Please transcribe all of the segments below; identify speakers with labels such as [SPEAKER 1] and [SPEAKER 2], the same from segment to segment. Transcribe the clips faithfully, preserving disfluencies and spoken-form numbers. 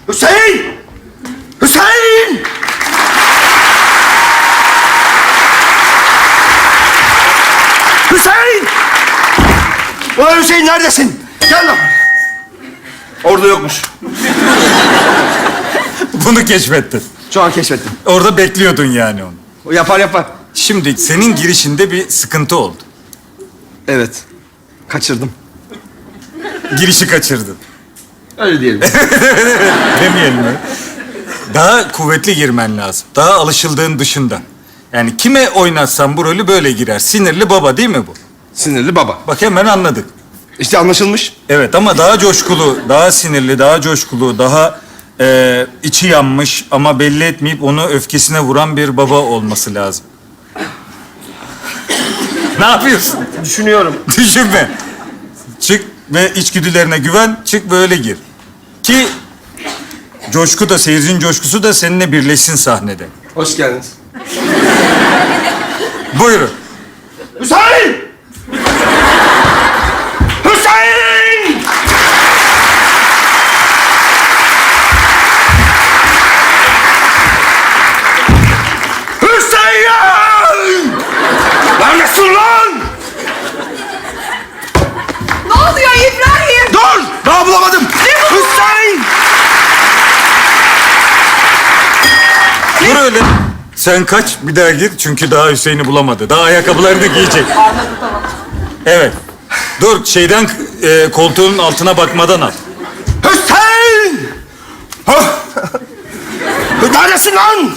[SPEAKER 1] Hüseyin! Hüseyin! Hüseyin! Ulan Hüseyin neredesin? Gel lan. Orada yokmuş.
[SPEAKER 2] Bunu keşfettin.
[SPEAKER 1] Şu an keşfettim.
[SPEAKER 2] Orada bekliyordun yani onu.
[SPEAKER 1] O yapar yapar.
[SPEAKER 2] Şimdi senin girişinde bir sıkıntı oldu.
[SPEAKER 1] Evet. Kaçırdım.
[SPEAKER 2] Girişi kaçırdın.
[SPEAKER 1] Öyle diyelim.
[SPEAKER 2] Demeyelim mi? Daha kuvvetli girmen lazım. Daha alışıldığın dışında. Yani kime oynatsan bu rolü böyle girer. Sinirli baba değil mi bu?
[SPEAKER 1] Sinirli baba.
[SPEAKER 2] Bak hemen anladık.
[SPEAKER 1] İşte anlaşılmış.
[SPEAKER 2] Evet ama daha coşkulu, daha sinirli, daha coşkulu, daha e, içi yanmış ama belli etmeyip onu öfkesine vuran bir baba olması lazım. Ne yapıyorsun?
[SPEAKER 1] Düşünüyorum.
[SPEAKER 2] Düşünme. Çık ve içgüdülerine güven, çık böyle gir. Ki coşku da, seyircinin coşkusu da seninle birleşsin sahnede.
[SPEAKER 1] Hoş geldiniz.
[SPEAKER 2] Buyurun.
[SPEAKER 1] Hüseyin! Hüseyin! Hüseyin! Neredesin lan?
[SPEAKER 3] Ne oluyor İbrahim?
[SPEAKER 1] Dur! Daha bulamadım. Hüseyin!
[SPEAKER 2] Dur öyle. Sen kaç, bir daha gir çünkü daha Hüseyin'i bulamadı. Daha ayakkabılarını giyecek.
[SPEAKER 3] Anladım tamam.
[SPEAKER 2] Evet. Dur, şeyden e, koltuğun altına bakmadan al.
[SPEAKER 1] Hüseyin! Hah! Neredesin lan?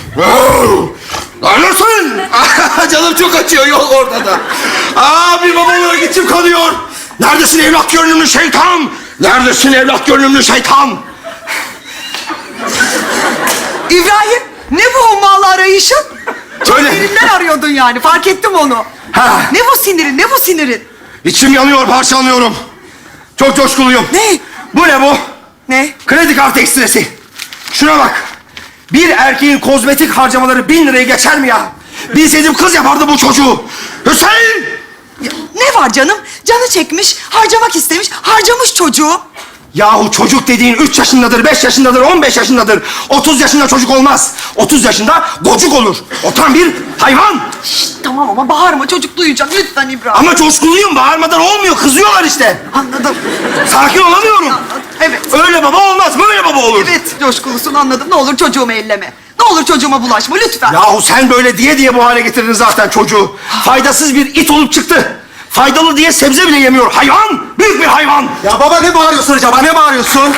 [SPEAKER 1] Neredesin? Canım çok acıyor yol ortada. Abi babalara gittim kalıyor. Neredesin evlat görünümlü şeytan? Neredesin evlat görünümlü şeytan?
[SPEAKER 3] İbrahim ne bu hummalı arayışın?
[SPEAKER 1] Söyle.
[SPEAKER 3] Sinirinden arıyordun yani fark ettim onu.
[SPEAKER 1] Ha.
[SPEAKER 3] Ne bu sinirin ne bu sinirin?
[SPEAKER 1] İçim yanıyor, parçalanıyorum. Çok coşkuluyum.
[SPEAKER 3] Ne?
[SPEAKER 1] Bu ne bu?
[SPEAKER 3] Ne?
[SPEAKER 1] Kredi kartı ekstresi. Şuna bak. Bir erkeğin kozmetik harcamaları bin lirayı geçer mi ya? Bilseydim kız yapardı bu çocuğu. Hüseyin!
[SPEAKER 3] Ya, ne var canım? Canı çekmiş, harcamak istemiş, harcamış çocuğu.
[SPEAKER 1] Yahu çocuk dediğin üç yaşındadır, beş yaşındadır, on beş yaşındadır. Otuz yaşında çocuk olmaz. Otuz yaşında gocuk olur. O tam bir hayvan.
[SPEAKER 3] Şşt, tamam ama bağırma çocuk duyacak lütfen İbrahim.
[SPEAKER 1] Ama coşkuluyum, bağırmadan olmuyor. Kızıyorlar işte.
[SPEAKER 3] Anladım.
[SPEAKER 1] Sakin olamıyorum.
[SPEAKER 3] Anladım. Evet.
[SPEAKER 1] Öyle baba olmaz, böyle baba olur.
[SPEAKER 3] Evet coşkulusun anladım. Ne olur çocuğumu elleme. Ne olur çocuğuma bulaşma lütfen.
[SPEAKER 1] Yahu sen böyle diye diye bu hale getirdin zaten çocuğu. Faydasız bir it olup çıktı. Faydalı diye sebze bile yemiyor. Hayvan! Büyük bir hayvan!
[SPEAKER 4] Ya baba ne bağırıyorsun acaba? Ne bağırıyorsun?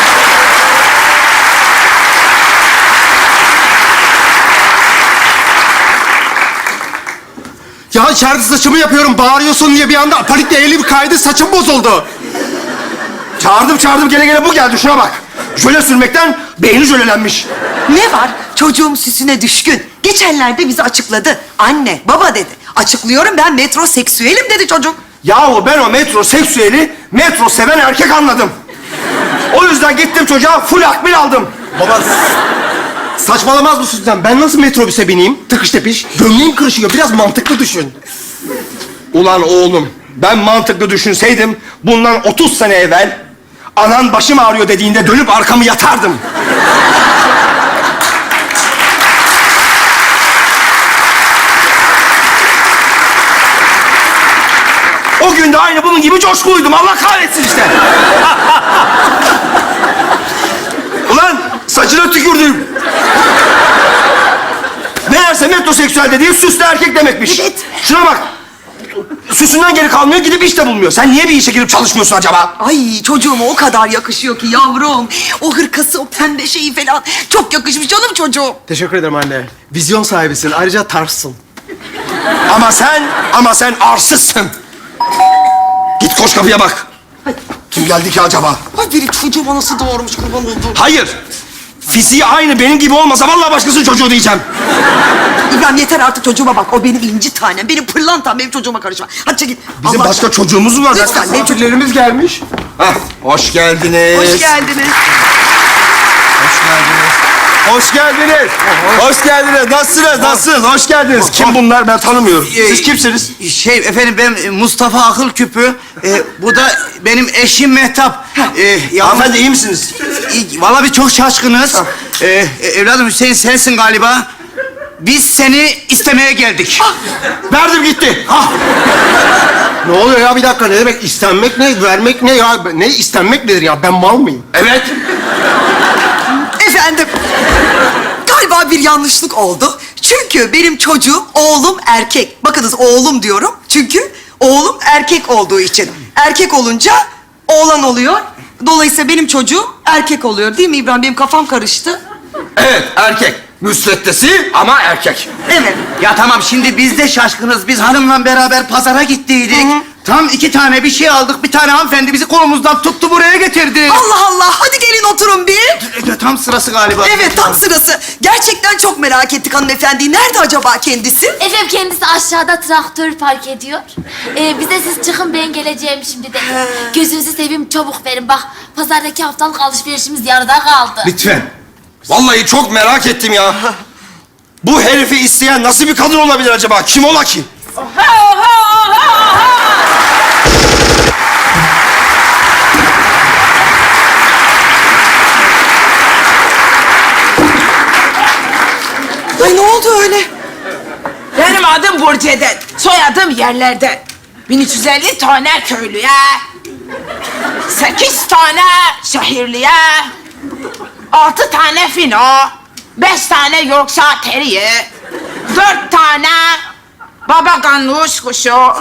[SPEAKER 4] Ya içeride saçımı yapıyorum. Bağırıyorsun diye bir anda panikle elim kaydı. Saçım bozuldu.
[SPEAKER 1] Çağırdım çağırdım gele gele bu geldi. Şuna bak. Jöle sürmekten beyni jölelenmiş.
[SPEAKER 3] Ne var? Çocuğum süsüne düşkün. Geçenlerde bizi açıkladı. Anne, baba dedi. Açıklıyorum ben metroseksüelim dedi çocuk.
[SPEAKER 1] Yahu ben o metroseksüeli metro seven erkek anladım. O yüzden gittim çocuğa full akbil aldım.
[SPEAKER 4] Baba s- saçmalamaz mısın sen? Ben nasıl metrobüse bineyim? Tıkış tepiş. Gömleğim kırışıyor. Biraz mantıklı düşün.
[SPEAKER 1] Ulan oğlum ben mantıklı düşünseydim bundan otuz sene evvel anan başım ağrıyor dediğinde dönüp arkamı yatardım. O gün de aynı bunun gibi coşkuluydum. Allah kahretsin işte. Ulan saçına tükürdüm. Meğerse metroseksüel dediği süslü erkek demekmiş.
[SPEAKER 3] Evet.
[SPEAKER 1] Şuna bak. Süsünden geri kalmıyor, gidip iş de bulmuyor. Sen niye bir işe girip çalışmıyorsun acaba?
[SPEAKER 3] Ay çocuğuma o kadar yakışıyor ki yavrum. O hırkası, o pembe şeyi falan. Çok yakışmış canım çocuğum.
[SPEAKER 4] Teşekkür ederim anne. Vizyon sahibisin. Ayrıca tarzsın.
[SPEAKER 1] Ama sen, ama sen arsızsın. Git koş kapıya bak. Kim geldi ki acaba?
[SPEAKER 3] Ay biri çocuğuma nasıl doğurmuş kurban olduğum.
[SPEAKER 1] Hayır. Fiziği aynı benim gibi olmasa vallahi başkasının çocuğu diyeceğim.
[SPEAKER 3] İbrahim yeter artık çocuğuma bak. O benim inci tanem, benim pırlantam, benim çocuğuma karışma. Hadi çekil.
[SPEAKER 1] Bizim
[SPEAKER 3] Allah
[SPEAKER 1] başka
[SPEAKER 3] aşkına.
[SPEAKER 1] çocuğumuz mu var?
[SPEAKER 3] Lütfen benim çocuğum.
[SPEAKER 4] Misafirlerimiz gelmiş.
[SPEAKER 1] Hah, hoş geldiniz.
[SPEAKER 3] Hoş geldiniz.
[SPEAKER 1] Hoş geldiniz. Hoş geldiniz. Hoş geldiniz. Nasılsınız? Nasılsınız? Hoş geldiniz. Kim bunlar? Ben tanımıyorum. Siz kimsiniz?
[SPEAKER 5] Şey efendim ben Mustafa Akıl Küpü. Ee, bu da benim eşim Mehtap. Ee, ya,
[SPEAKER 1] Hanımefendi iyi misiniz?
[SPEAKER 5] İyi, vallahi biz çok şaşkınız. Ee, evladım Hüseyin sensin galiba. Biz seni istemeye geldik.
[SPEAKER 1] Verdim gitti. Ah.
[SPEAKER 4] Ne oluyor ya bir dakika ne demek istenmek ne vermek ne ya ne istenmek nedir ya ben mal mıyım?
[SPEAKER 1] Evet.
[SPEAKER 3] Efendim, galiba bir yanlışlık oldu. Çünkü benim çocuğum, oğlum erkek. Bakınız oğlum diyorum. Çünkü oğlum erkek olduğu için. Erkek olunca oğlan oluyor. Dolayısıyla benim çocuğum erkek oluyor. Değil mi İbrahim? Benim kafam karıştı.
[SPEAKER 1] Evet erkek. Müsveddesi ama erkek.
[SPEAKER 3] Evet.
[SPEAKER 5] Ya tamam şimdi biz de şaşkınız. Biz hanımla beraber pazara gittiydik. Tam iki tane bir şey aldık. Bir tane hanımefendi bizi kolumuzdan tuttu buraya getirdi.
[SPEAKER 3] Allah Allah, hadi gelin oturun bir.
[SPEAKER 5] E, Tam sırası galiba.
[SPEAKER 3] Evet, tam sırası. Gerçekten çok merak ettik hanımefendi. Nerede acaba kendisi?
[SPEAKER 6] Efendim kendisi aşağıda traktör park ediyor. Ee, bize siz çıkın ben geleceğim şimdi de. Gözünüzü seveyim çabuk verin bak. Pazardaki haftalık alışverişimiz yarıda kaldı.
[SPEAKER 1] Lütfen. Vallahi çok merak ettim ya. Bu herifi isteyen nasıl bir kadın olabilir acaba? Kim ola ki?
[SPEAKER 3] Ay ne oldu öyle?
[SPEAKER 7] Benim adım Burcu'den, soyadım yerlerden. bin üç yüz elli tane köylüye, sekiz tane şehirliye, altı tane fino, beş tane Yorkshire Terrier, dört tane baba ganoush kuşu,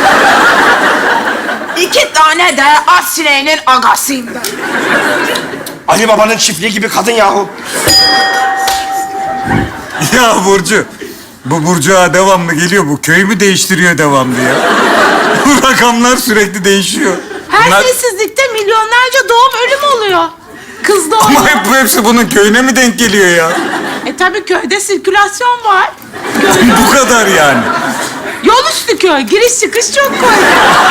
[SPEAKER 7] iki tane de at sineğinin agasıyım ben.
[SPEAKER 1] Ali Baba'nın çiftliği gibi kadın yahu.
[SPEAKER 2] Ya Burcu, bu Burcu ağa devamlı geliyor. Bu köyü mü değiştiriyor devamlı ya? Bu rakamlar sürekli değişiyor.
[SPEAKER 7] Her
[SPEAKER 2] Bunlar-
[SPEAKER 7] sessizlikte milyonlarca doğum ölüm oluyor. Kız doğumu.
[SPEAKER 2] Ama hep bu hepsi bunun köyüne mi denk geliyor ya?
[SPEAKER 7] E tabii köyde sirkülasyon var.
[SPEAKER 2] Bu kadar yani.
[SPEAKER 7] Yol üstü köy, giriş çıkış çok kolay.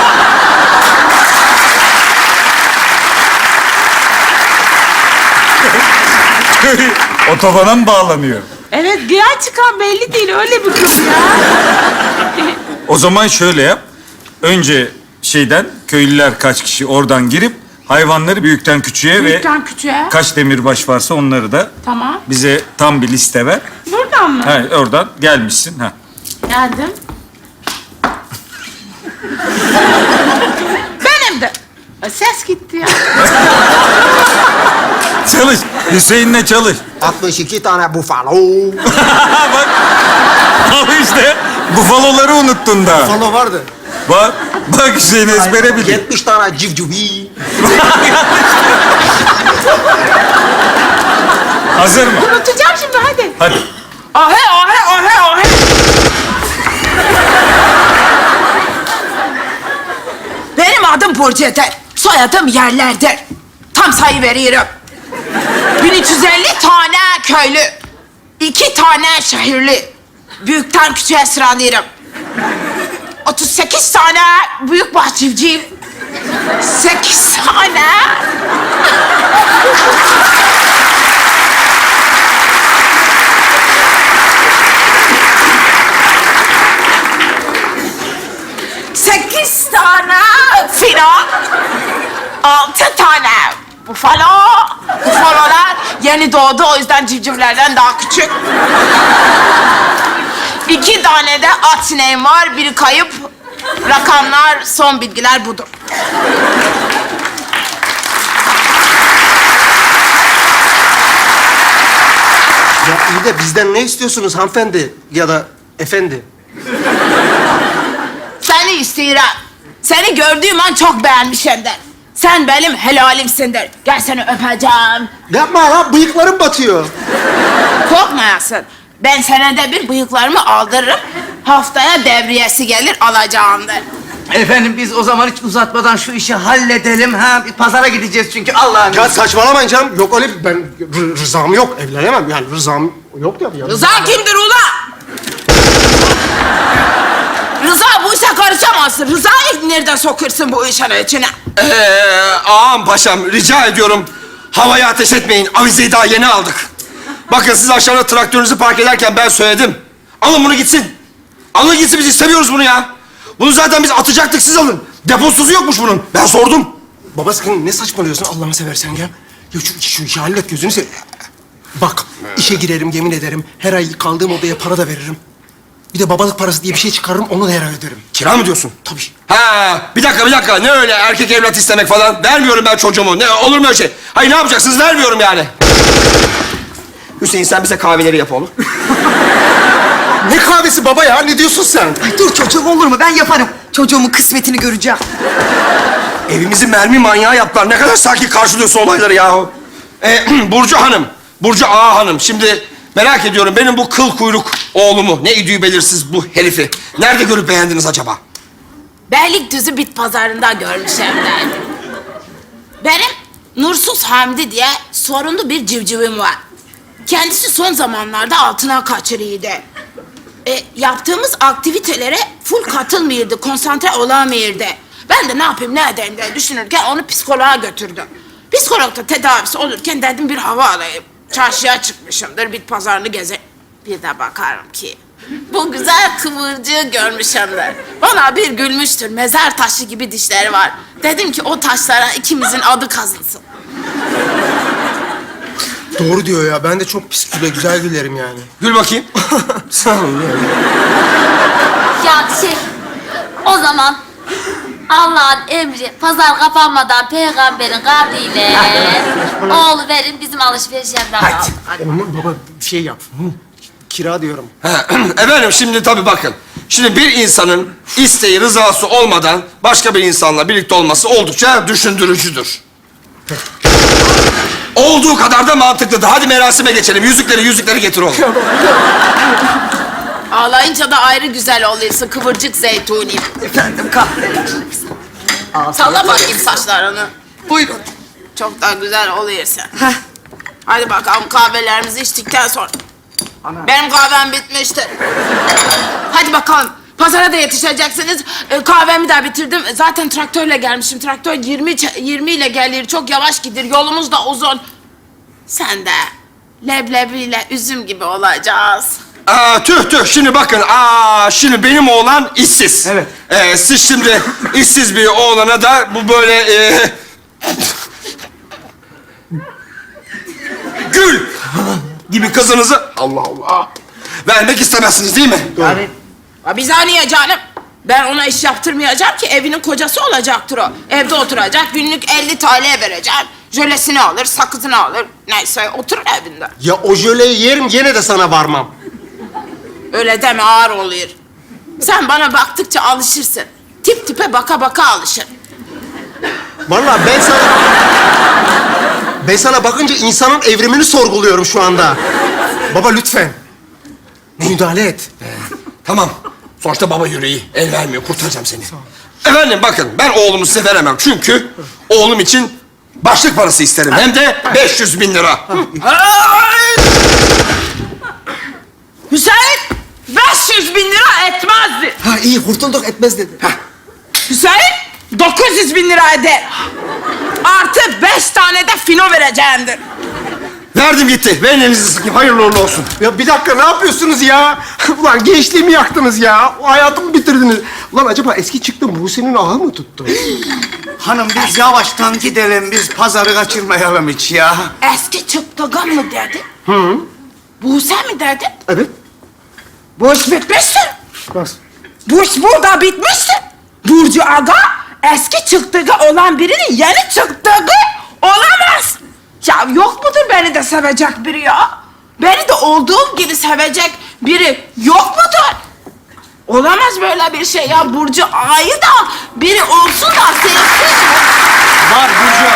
[SPEAKER 2] Köy otobana mı bağlanıyor?
[SPEAKER 7] Evet, giren çıkan belli değil, öyle bir kız ya.
[SPEAKER 2] O zaman şöyle yap. Önce şeyden köylüler kaç kişi oradan girip hayvanları büyükten küçüğe
[SPEAKER 7] Büyükten
[SPEAKER 2] ve
[SPEAKER 7] küçüğe.
[SPEAKER 2] kaç demirbaş varsa onları da
[SPEAKER 7] Tamam.
[SPEAKER 2] bize tam bir liste ver.
[SPEAKER 7] Buradan mı?
[SPEAKER 2] Ha, oradan gelmişsin. Ha.
[SPEAKER 7] Geldim. Benim de. E, Ses gitti ya.
[SPEAKER 2] Çalış. Hüseyin'le çalış.
[SPEAKER 4] altmış iki tane bufalo.
[SPEAKER 2] Bak. Al işte. Bufaloları unuttun da.
[SPEAKER 4] Bufalo vardı.
[SPEAKER 2] Bak. Bak Hüseyin ezbere biliyor.
[SPEAKER 4] yetmiş tane civcivi.
[SPEAKER 2] Hazır mı?
[SPEAKER 7] Unutacağım şimdi, hadi.
[SPEAKER 2] Hadi.
[SPEAKER 7] Ahe, ahe, ahe, ahe. Benim adım Burcu'den, soyadım yerlerden. Tam sayı veriyorum. bin üç yüz elli tane köylü, iki tane şehirli. Büyükten küçüğe sıralıyorum. otuz sekiz tane büyük bahçıvcıyım. sekiz tane... Sekiz tane fino, altı tane bufalo. Bufalolar yeni doğdu, o yüzden civcivlerden daha küçük. İki tane de at sineğim var, biri kayıp. Rakamlar, son bilgiler budur.
[SPEAKER 4] Ya iyi de bizden ne istiyorsunuz hanımefendi ya da efendi?
[SPEAKER 7] Seni istiyorum. Seni gördüğüm an çok beğenmişimdir. Sen benim helalimsindir. Gel seni öpeceğim.
[SPEAKER 4] Yapma ya bıyıklarım batıyor.
[SPEAKER 7] Korkmayasın. Ben senede bir bıyıklarımı aldırırım. Haftaya devriyesi gelir alacağımdır.
[SPEAKER 5] Efendim biz o zaman hiç uzatmadan şu işi halledelim. Ha, bir pazara gideceğiz çünkü Allah'ım.
[SPEAKER 4] Ya saçmalamayın canım. Yok öyle bir- ben rı- rızam yok. Evlenemem yani rızam yok ya. ya.
[SPEAKER 7] Rıza kimdir ula? Rıza bu işe karışamazsın. Rıza'yı nereden sokursun bu işin içine?
[SPEAKER 1] Ee, ağam paşam rica ediyorum. Havaya ateş etmeyin. Avizeyi daha yeni aldık. Bakın siz aşağıda traktörünüzü park ederken ben söyledim. Alın bunu gitsin. Alın gitsin, biz istemiyoruz bunu ya. Bunu zaten biz atacaktık, siz alın. Deposuzu yokmuş bunun. Ben sordum.
[SPEAKER 4] Baba sakın ne saçmalıyorsun Allah'ını seversen ya. Ya şu, şu işi hallet gözünü seveyim. Bak işe girerim yemin ederim. Her ay kaldığım odaya para da veririm. Bir de babalık parası diye bir şey çıkarırım onu da her ay öderim.
[SPEAKER 1] Kira mı diyorsun?
[SPEAKER 4] Tabii.
[SPEAKER 1] Ha, bir dakika bir dakika. Ne öyle erkek evlat istemek falan? Vermiyorum ben çocuğumu. Ne olur mu öyle şey? Hayır, ne yapacaksınız? Vermiyorum yani. Hüseyin, sen bize kahveleri yap oğlum.
[SPEAKER 4] Ne kahvesi baba ya? Ne diyorsun sen?
[SPEAKER 3] Ay dur çocuğum olur mu? Ben yaparım. Çocuğumun kısmetini göreceğim.
[SPEAKER 1] Evimizi mermi manyağı yaptılar. Ne kadar sakin karşılıyorsun olayları yahu. Ee, Burcu Hanım, Burcu Ağa Hanım. Şimdi merak ediyorum, benim bu kıl kuyruk oğlumu, ne idüğü belirsiz bu herifi nerede görüp beğendiniz acaba?
[SPEAKER 7] Beylikdüzü bit pazarında görmüşüm derdim. Benim Nursuz Hamdi diye sorunlu bir civcivim var. Kendisi son zamanlarda altına kaçırıyordu. E, yaptığımız aktivitelere full katılmıyordu, konsantre olamıyordu. Ben de ne yapayım, ne edeyim diye düşünürken onu psikoloğa götürdüm. Psikologda tedavisi olurken dedim bir hava alayım. Çarşıya çıkmışımdır, bit pazarını geze... Bir de bakarım ki bu güzel kıvırcığı görmüşümdür. Bana bir gülmüştür, mezar taşı gibi dişleri var. Dedim ki o taşlara ikimizin adı kazılsın.
[SPEAKER 4] Doğru diyor ya. Ben de çok pis güle güzel gülerim yani.
[SPEAKER 1] Gül bakayım.
[SPEAKER 4] Sağ ol ya.
[SPEAKER 6] Ya şey, o zaman Allah'ın emri pazar kapanmadan peygamberin kavliyle oğlu verin bizim alışveriş yapalım.
[SPEAKER 4] Ama baba bir şey yap. Hı. Kira diyorum.
[SPEAKER 1] Ha, efendim şimdi tabii bakın. Şimdi bir insanın isteği, rızası olmadan başka bir insanla birlikte olması oldukça düşündürücüdür. Olduğu kadar da mantıklıdır. Hadi merasime geçelim. Yüzükleri, yüzükleri getir oğlum.
[SPEAKER 7] Ağlayınca da ayrı güzel oluyorsun kıvırcık zeytuni.
[SPEAKER 3] Efendim kahretsin.
[SPEAKER 7] Salla bakayım saçlarını.
[SPEAKER 3] Buyurun.
[SPEAKER 7] Çok da güzel oluyorsun.
[SPEAKER 3] Heh.
[SPEAKER 7] Hadi bakalım kahvelerimizi içtikten sonra. Benim kahvem bitmiştir. Hadi bakalım. Pazara da yetişeceksiniz. Ee, kahvemi de bitirdim. Zaten traktörle gelmişim. Traktör yirmi, ç- yirmi ile gelir. Çok yavaş gider. Yolumuz da uzun. Sen de leblebiyle üzüm gibi olacağız.
[SPEAKER 1] Aa, tüh tüh, şimdi bakın. Aa, şimdi benim oğlan işsiz.
[SPEAKER 4] Evet.
[SPEAKER 1] Ee, siz şimdi işsiz bir oğlana da bu böyle... E... Gül gibi kızınızı Allah Allah vermek istemezsiniz değil mi?
[SPEAKER 7] Yani, ya biz niye canım? Ben ona iş yaptırmayacağım ki evinin kocası olacaktır o. Evde oturacak, günlük elli T L vereceğim. Jölesini alır, sakızını alır. Neyse oturur evinde.
[SPEAKER 4] Ya o jöleyi yerim gene de sana varmam.
[SPEAKER 7] Öyle deme ağır oluyor. Sen bana baktıkça alışırsın. Tip tipe baka baka alışır.
[SPEAKER 4] Vallahi ben sana... Ben sana bakınca insanın evrimini sorguluyorum şu anda. Baba lütfen. Müdahale et.
[SPEAKER 1] Tamam. Sonuçta baba yüreği el vermiyor. Kurtaracağım seni. Efendim bakın, ben oğlumu size veremem. Çünkü oğlum için başlık parası isterim. Hem de beş yüz bin lira.
[SPEAKER 7] Hüseyin, beş yüz bin lira etmezdi.
[SPEAKER 4] Ha iyi kurtulduk etmez dedi.
[SPEAKER 7] Hüseyin, dokuz yüz bin lira eder. Artı beş tane de fino vereceğimdir.
[SPEAKER 1] Verdim gitti. Verin elinizi sıkayım. Hayırlı uğurlu olsun.
[SPEAKER 4] Ya bir dakika ne yapıyorsunuz ya? Ulan gençliğimi yaktınız ya. O hayatımı bitirdiniz. Ulan acaba eski çıktım Buse'nin ağı mı tuttu?
[SPEAKER 5] Hanım biz yavaştan gidelim, biz pazarı kaçırmayalım hiç ya.
[SPEAKER 7] Eski çıktıgan mı dedi? Hı. Buse mi dedi?
[SPEAKER 4] Evet.
[SPEAKER 7] Bu iş bitmiştir.
[SPEAKER 4] Nasıl?
[SPEAKER 7] Bu iş burada bitmiştir. Burcu Aga eski çıktığı olan birinin yeni çıktığı olamaz. Ya yok mudur beni de sevecek biri ya? Beni de olduğum gibi sevecek biri yok mudur? Olamaz böyle bir şey ya. Burcu Ağa'yı da biri olsun da sevsin.
[SPEAKER 4] Var Burcu.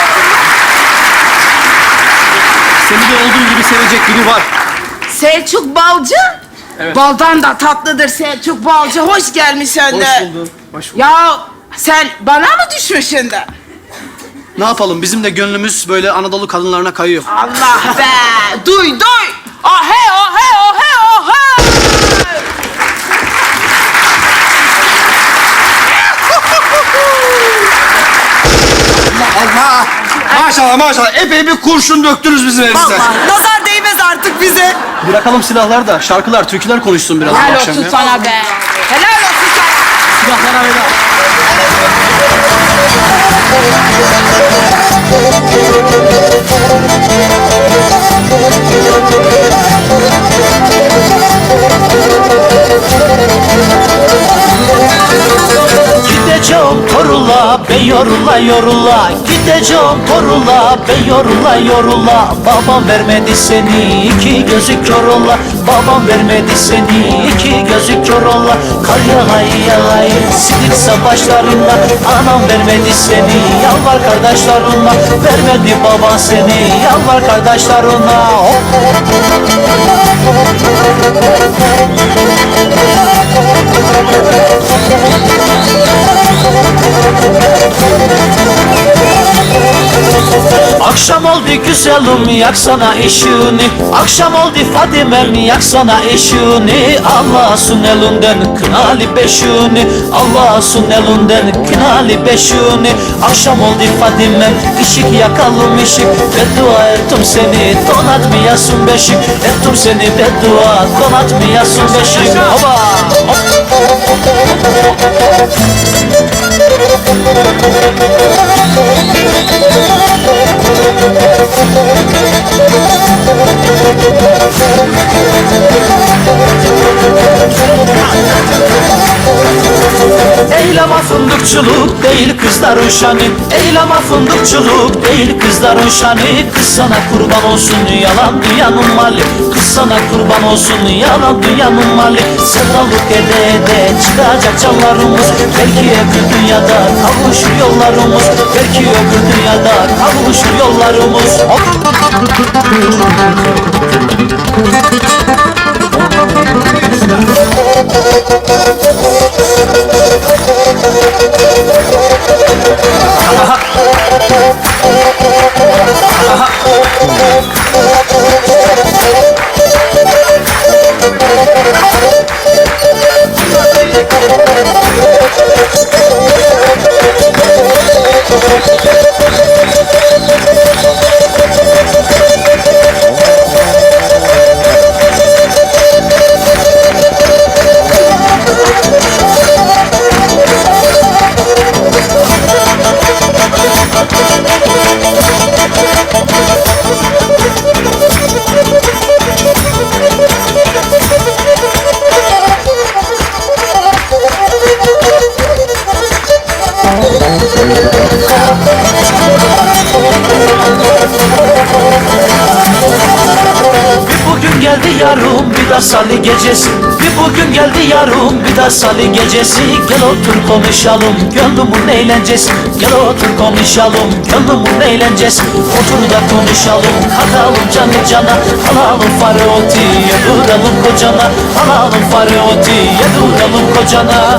[SPEAKER 4] Seni de olduğun gibi sevecek biri var.
[SPEAKER 7] Selçuk Balcı. Baldan da tatlıdır Selçuk Balcı. Hoş gelmişsin de.
[SPEAKER 4] Hoş bulduk. Hoş bulduk.
[SPEAKER 7] Ya sen bana mı düşmüşsün de?
[SPEAKER 8] Ne yapalım? Bizim de gönlümüz böyle Anadolu kadınlarına kayıyor.
[SPEAKER 7] Allah be! Duy duy! Ah he ah he ah he ah he!
[SPEAKER 1] Allah! Maşallah maşallah. Epey bir kurşun döktünüz bizim evimize.
[SPEAKER 3] Vallahi nazar değmez artık bize.
[SPEAKER 8] Bırakalım silahlar da şarkılar, türküler konuşsun biraz bu
[SPEAKER 7] Helal
[SPEAKER 8] akşam
[SPEAKER 7] olsun
[SPEAKER 8] ya.
[SPEAKER 7] sana be. Helal olsun sana.
[SPEAKER 8] Silahlara veda.
[SPEAKER 9] Gideceğim torula be yorula yorula. Gideceğim torula be yorula yorula. Babam vermedi seni iki gözü kör ola. Babam vermedi seni iki gözü kör ola. Kar yağay yağay silik savaşlarında. Anam vermedi seni yalvar kardeşlerine. Vermedi baban seni yalvar kardeşlerine. Hop. Akşam oldu güzelim yaksana ışığını. Akşam oldu Fadimem yaksana ışığını. Allah'sın elinden kınalı beşini. Allah'sın elinden kınalı beşini. Akşam oldu Fadimem ışık yakalım ışık. Beddua ettim seni donatmayasın beşik. Ettim seni beddua donatmayasın beşik. Oba! Eyleme fındıkçılık değil kızların şanı. Eyleme fındıkçılık değil kızların şanı. Kız sana kurban olsun yalan dünyanın mali. Kız sana kurban olsun yalan dünyanın mali. Sevdalık ede ede çıkacak canlarımız. Belki öbür dünyada kavuşur yollarımız. Belki öbür dünyada kavuşur yollarımız. Bir bugün geldi yarım bir de salı gecesi. Bir bugün geldi yarım bir de salı gecesi. Gel otur konuşalım gönlümün eğlencesi. Gel otur konuşalım gönlümün eğlencesi. Otur da konuşalım katalım canı cana. Alalım faroti yeduralım kocana. Alalım faroti yeduralım kocana.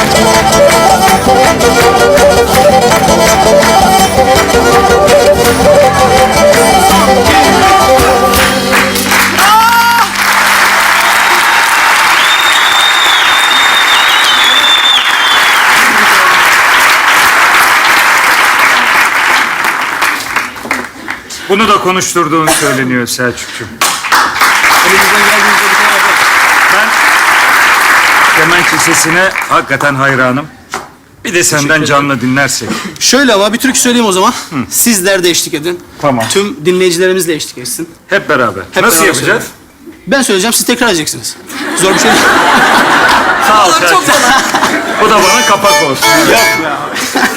[SPEAKER 2] Bunu da konuşturduğun söyleniyor Selçukcuğum.
[SPEAKER 8] Elimizden geldiğince bir tane yapalım.
[SPEAKER 2] Ben kemençe sesine hakikaten hayranım. Bir de senden canlı dinlersek.
[SPEAKER 8] Şöyle ama bir türkü söyleyeyim o zaman. Sizler de eşlik edin.
[SPEAKER 2] Tamam.
[SPEAKER 8] Tüm dinleyicilerimiz de eşlik etsin.
[SPEAKER 2] Hep beraber.
[SPEAKER 8] Hep
[SPEAKER 2] Nasıl
[SPEAKER 8] beraber
[SPEAKER 2] yapacağız?
[SPEAKER 8] söyleyelim. Ben söyleyeceğim, siz tekrar edeceksiniz. Zor bir şey değil.
[SPEAKER 2] Sağ ol Selçuk. Bu da bana kapak olsun.
[SPEAKER 8] Yok be abi.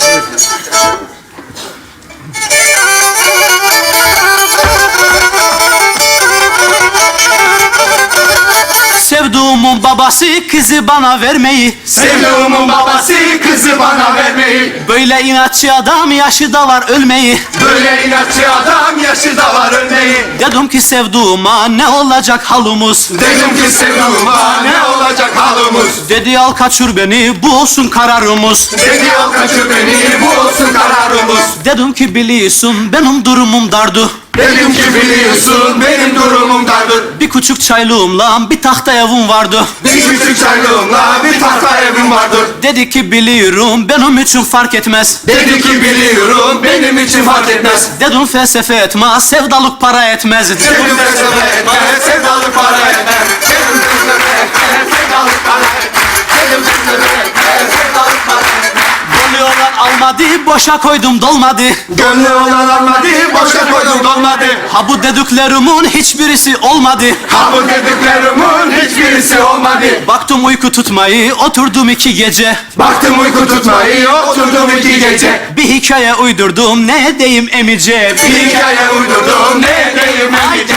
[SPEAKER 8] Sevduğumun babası kızı bana vermeyi.
[SPEAKER 5] Sevduğumun babası kızı bana vermeyi.
[SPEAKER 8] Böyle inatçı adam yaşı da var ölmeyi.
[SPEAKER 5] Böyle inatçı adam yaşı da var ölmeyi.
[SPEAKER 8] Dedim ki sevduğuma ne olacak halımız.
[SPEAKER 5] Dedim ki sevduğuma ne olacak halımız.
[SPEAKER 8] Dedi al kaçır beni bu olsun kararımız.
[SPEAKER 5] Dedi al kaçır beni bu olsun kararımız.
[SPEAKER 8] Dedim ki biliyorsun benim durumum dardı.
[SPEAKER 1] Dedim ki biliyorsun benim durumum dardır.
[SPEAKER 8] Bir küçük çaylığımla bir tahta evim vardı.
[SPEAKER 1] Bir küçük çaylığımla bir tahta evim vardır.
[SPEAKER 8] Dedi ki biliyorum benim için fark etmez.
[SPEAKER 1] Dedi ki biliyorum benim için fark etmez.
[SPEAKER 8] Dedim felsefe etmez, sevdalık para etmez.
[SPEAKER 1] Dedim felsefe etmez, sevdalık para etmez. Dedim felsefe etmez, sevdalık para etmez. Dedim felsefe etmez, sevdalık para etmez.
[SPEAKER 8] Gönlü olan almadı, boşa koydum dolmadı.
[SPEAKER 1] Gönlü olan almadı, boşa koydum dolmadı.
[SPEAKER 8] Ha bu dediklerimin hiçbirisi olmadı.
[SPEAKER 1] Ha bu dediklerimin hiçbirisi olmadı.
[SPEAKER 8] Baktım uyku tutmayı, oturdum iki gece.
[SPEAKER 1] Baktım uyku tutmayı, oturdum iki gece.
[SPEAKER 8] Bir hikaye uydurdum, ne edeyim emice.
[SPEAKER 1] Bir hikaye uydurdum, ne edeyim emice.